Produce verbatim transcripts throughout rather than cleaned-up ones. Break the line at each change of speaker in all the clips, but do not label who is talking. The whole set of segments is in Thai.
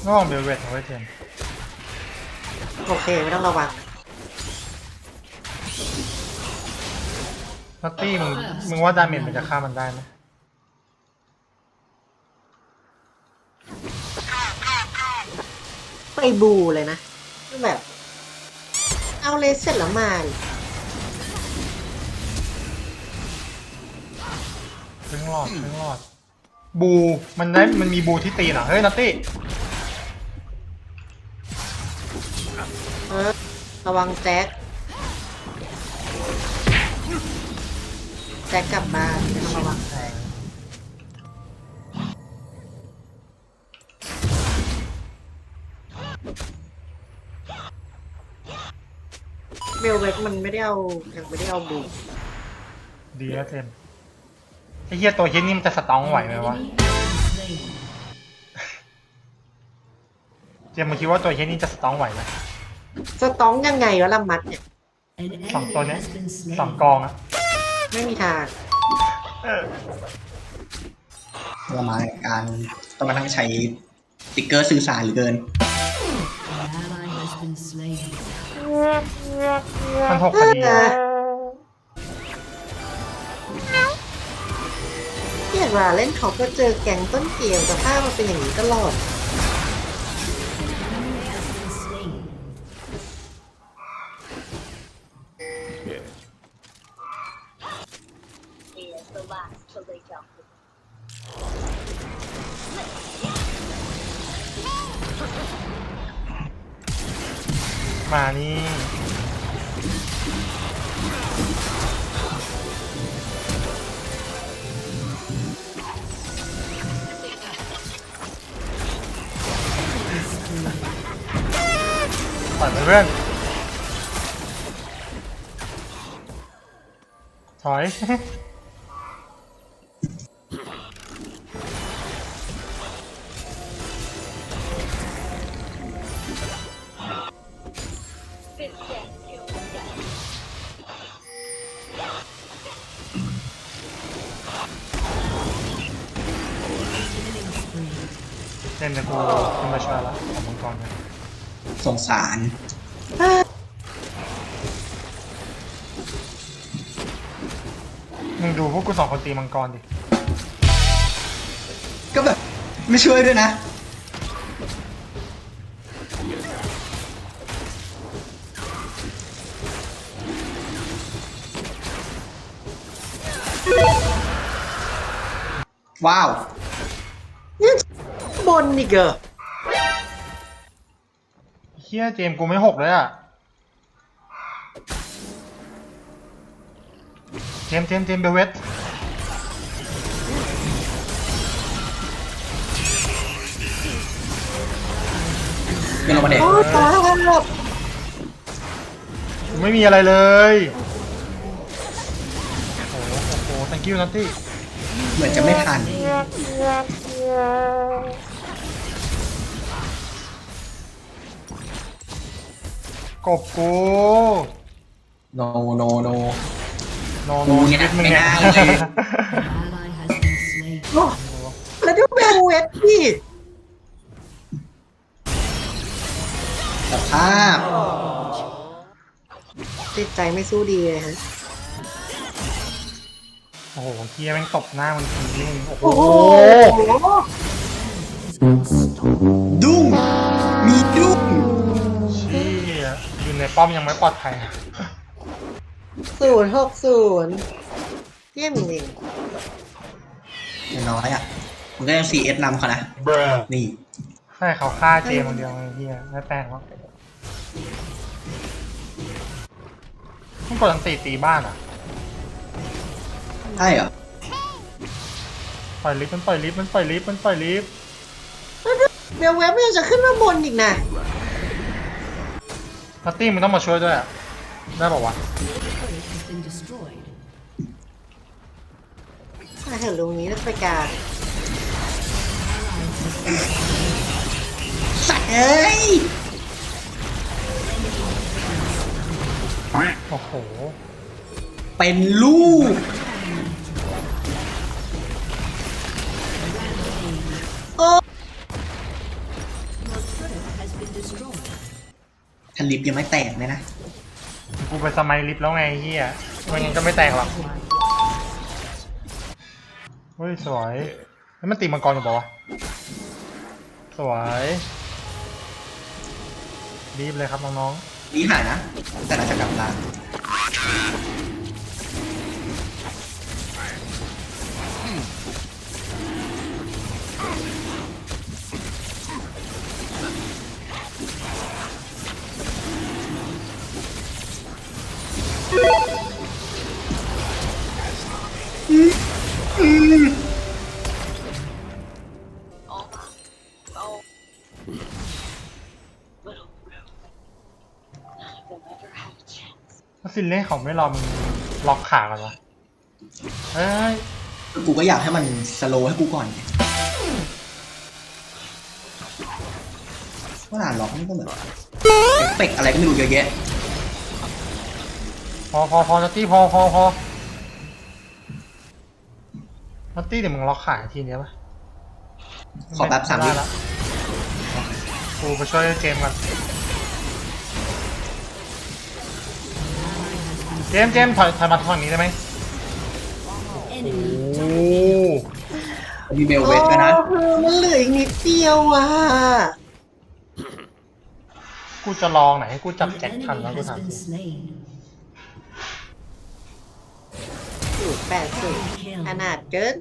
ง่วงเบลเวทเอาไว้เจม
โอเคไม่ต้องระวัง
นัตตี้มึงมึงว่าดาเมจมันจะฆ่ามันได้ไหม
ไปบูเลยนะแบบเอาเลสเสร็จแล้วมา
เพิ่งรอดเพิ่งรอดบูมันได้มันมีบูที่ตีนอ่ะเฮ้ยนัตตี้
เออระวังแจ็คแจ็คกลับบ้านไม่ต้องระวังใครเบลเวกมันไม่ได้เอายังไม่ได้เอาบู
ดีแล้วเจมไอ้เหี้ยตัวเหี้ยนี่มันจะสตองไหวไหมวะเจมมึงคิดว่าตัวเหี้ยนี่จะสตองไหวไหม
สต้องยังไงวะลำมัดเนี่ย
สองตัวเนี้ยสองกองอะ
ไม่มีทาง
เรามาการต้องมาทั้งใช้ติ๊กเกอร์สื่อสารหรือเกิน
มันหกคดี
เรียกว่าเล่นเขาก็เจอแก๊งต้นเกมแต่ภาพมันเป็นอย่างนี้ตลอด
มานี่ปล่อยไปเพื่อนถอยเล่นแต่กูขึ้นมาช่วยละของมังกรกัน
สงสาร
มึงดูพวกกูสองคนตีมังกรดิ
ก็แบบไม่ช่วยด้วยนะว้าว
นี่บนอีกเหรอ
เฮียเจมกูไม่หกเลยอ่ะเจมเจมเจมเบลเวท
เดี๋ยวเรามาเด็ก
โอ้ตายแล้วหมด
ไม่มีอะไรเลยโอ้โหโอ้โห thank you นัตตี้
เหมือนจะไม่ทัน
กบกู
โนโนโน
โนโนชีวิตมึงเนี่ย
แล้วดูเบลเวทพี่
สภาพ
จิตใจไม่สู้ดีเลยฮะ
โอ้โหเฮียแม่งตบหน้ามันทีนึงโอ้โห
ดุ้งมีดุ้ง
เชี่ยอยู่ในป้อมยังไม่ปลอดภัย
ศูนย์หกศูนย์เยี่ยมจริง
อย่างน้อยอ่ะมันก็ยัง ซี เอส นำเขานะนี่
ใช่เขาฆ่าเจมคนเดียวไอ้เฮียไม่แปลกหรอกต้องกดอันตีตีบ้านอ่ะ
ใช่เหรอ
ปล่อยลิฟต์มันปล่อยลิฟต์มันปล่อยลิฟต์มันปล่อยลิฟต์
เบลเวฟมันยังจะขึ้นมาบนอีกนะ
นัตตี้มึงต้องมาช่วยด้วยอ่ะได้ป่าวะ
ถ้าเห็นตรงนี้แล้วไปกลาง
สัตว์เอ้ย
โอ้โห
เป็นลูกถ้าลิฟต์ยังไม่แตกเลยนะ
กูไปสมัยลิฟต์แล้วไงไอ้เฮียไม่งั้นก็ไม่แตกหรอกเฮ้ยสวยแล้วมันตีมังกรอยู่ปะวะสวยรีบเลยครับน้อง
นี่หายนะ แต่น่าจะกลับตาม
ๆถ้าซินเล่เขาไม่รอมึงล็อกขากันวะเฮ้ย
กูก็อยากให้มันสโลว์ให้กูก่อนไงว่าหลานล็อกนี่ก็เหมือนเอฟเฟกต์อะไรก็ไม่รู้เยอะแยะ
พอพอพอนัตตี้พอพอพอนัตตี้เดี๋ยวมึงล็อกขาทีเนี้ยปะ
ขอแป๊บสามวิ
ไได้ละกูไปช่วยเจมส์ก่อนเจมส์เจมส์ถอยถอยมาทางนี้ได้ไหมโอ้
มีเบลเวทด้วยนะ
โอ้มันเหลืออีกนิดเดียวอ่ะ
กูจะลองไหนให้กูจับ
An
แจ็คทัน
enemy
แล้วกู
has
ถามจ
been
ริง
slain.
สูตรแปดสูตรขนาดเกิน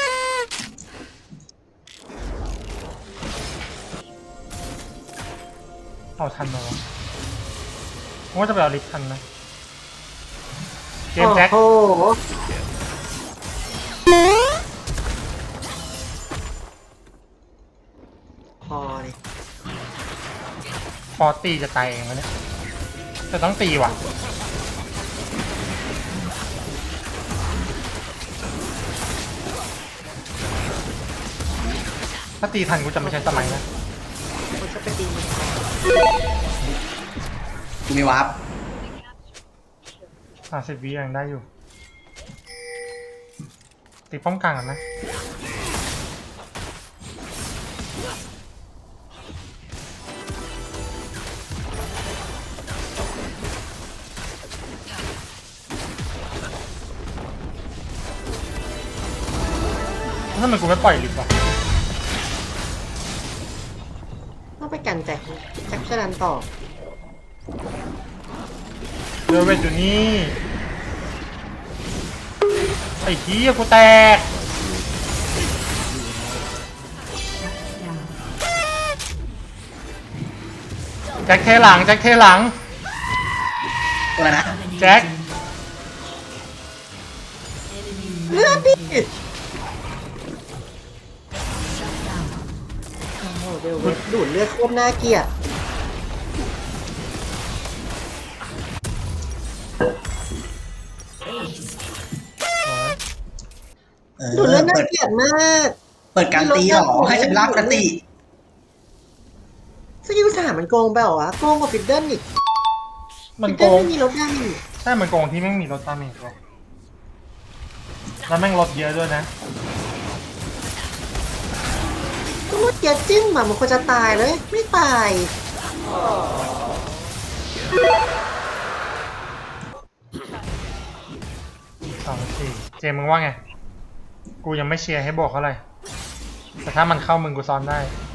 เอาทันไหมวะกูว่าจะไปเอาลิฟต์ทันไหมเจมส์แจ็ค
โอ้โหพอเลย
ฟอร์ตีจะตายเองวะเนี่ยแต่ต้องตีว่ะถ้าตีทันกูจะไม่ใช้สมัยนะ
มันจะไปดีมัน
กูมีวาร์ป
ห้าสิบวิยังได้อยู่ตีป้อมกลางกันนะถ้ามันกูไม่ปล่อยลิฟต์วะ
ต้องไปกันแจ็คแจ็คชลันต่อ
เดเวทอยู่นี่ไอ้ขี้ยกูแตก
Down.
แจ็คเทหลังแจ็คเทหลัง
ตัวอะไรนะ
แจ็ค
Enemy
เลือดดิ
rampage. Shut down.
โอ้โหเดี๋ยวดูดเลือดโคตรน่าเกลียด
Ace.
เออ
ดูดเลือดน่า
เปิด
เกลียดมาก
เปิดการตีเหรอ ให้ฉันรับกันตี
สกิลสามมันโกงไปเหรอวะโกงกว่าฟิดเดิลอีก
มัน
ฟิด
โก
เดิล
ง
ไม่มีลดดาเมจ
ใช่มันโกงที่แม่งมีรถตามเมจด้วยแล้วแม่งลดเยอะด้วยนะ
ก็ลดเยอะจิ้มอะมันควรจะตายเลย ไม่ตาย
สองสี่เจมมึงว่าไง กูยังไม่เชียร์ให้บวกเท่าไหร่แต่ถ้ามันเข้ามึงกูซ้อนได้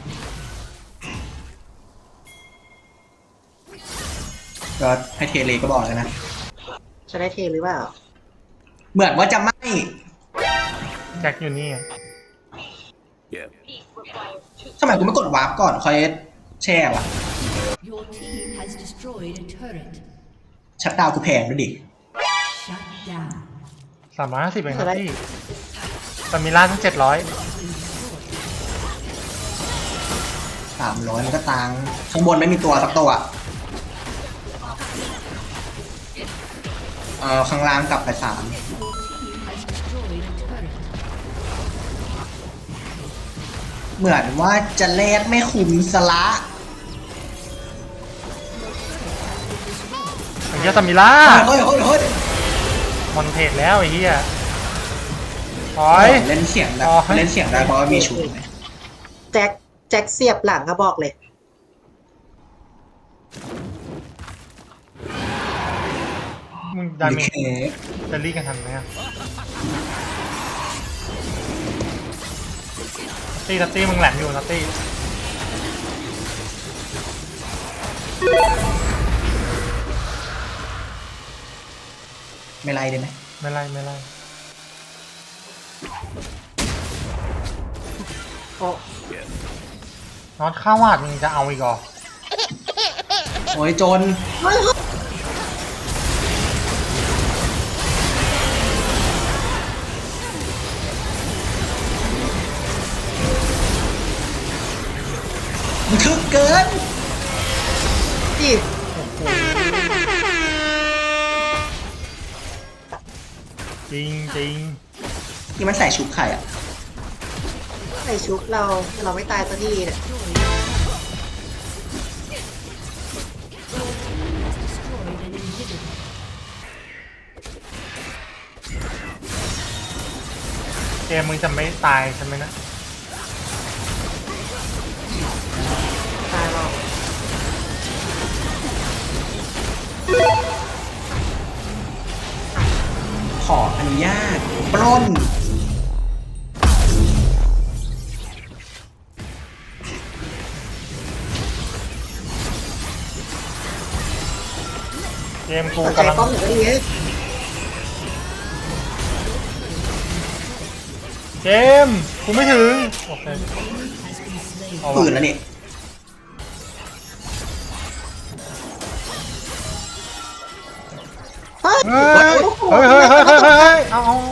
ก็ให้เทเลก็บอกแล้วนะ
จะได้เทหรือเปล่า
เหมือนว่าจะไม่
แจ็คอยู่นี่
ทำไมกูไม่กดวาร์ปก่อนคอยแช่วะ
Your team has destroyed a turret.
ชัดดาวน์กูแพงด้วยดิ
Shut down.
สามร้อยห้าสิบเองครับพี่แต่มีล่าทั้งเจ็ดร้อย
สามร้อยมันก็ตังค์ข้างบนไม่มีตัวสักตัว เออข้างล่างกลับไปสาม
Your team has destroyed a turret.
เหมือนว่าจะแลกไม่คุ้มสละ
ไอ้เหี้ยตามิล่า
เฮ้ยเฮ้ยเฮ้ย
มอนเทจแล้วไอ้เหี้ยถอ
เฮ้
ย
ยเล่นเสียงได้
อ๋อ
เล่นเสียงได้เพราะว่ามีชุดไง
แจ็คแจ็คเสียบหลังอะบอกเลย
ดาเมจ
โอเค
จะรีกันทันไหมอะตีนัตตี้มึงแหลมอยู่นัตตี้
ไม่ไล่ได้ไหม
ไม่ไล่ไม่ไล่
โอ้
น็อตข้าววาดมึงจะเอาอีกเหรอ
โอ้ยจน
เฮ้ย
มันทึกเกิน
จี
จริงจริง
นี่มันใส่ชุบไข่อ่ะ
ใส่ชุบเราเราไม่ตายสักทีเนี่ย
Destroyed an inhibitor.
เจมมึงจะไม่ตายใช่ไหมนะ
ตายหรอก
ขออนุญาตปล้น
เจมกู
สนใจ
กำลัง
ป้อมหนึ่งก็ดีเฮ้ย
เจมกูไม่ถึงโอเค
Has been slain.
เอา
ปืน
วะ
แล้วนี่
เฮ้ย
เฮ้ยเฮ้ยเฮ้ยเฮ้ยเฮ้ยเฮ้ยเอาเอา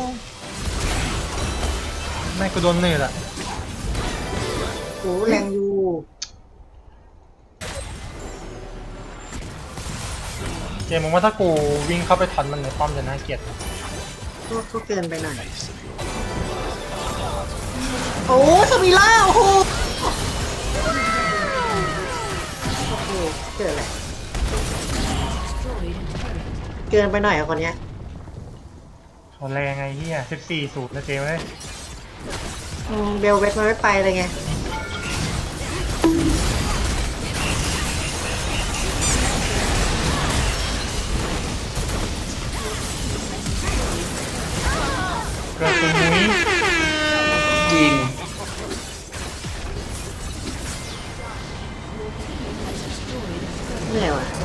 แม่งกูโดนเนตอะ
โอ้แรงอยู่
เจมมึงว่าถ้ากูวิ่งเข้าไปทันมันในป้อมจะน่าเกลียด
ก็ก็เกินไปหน่อยโอ้สมิล่าโอ้โหโอ้โหเกิดอะไร
Destroyed a turret.
เกินไปหน่อยอะคนเนี้ย
เขาแรงไงเฮียสิบสี่สูตรนะเจมเลย
อืมเบลเวทมันไม่ไปเลยไง
เกิดตรงนี้
จริง
เหนื่อยว่ะ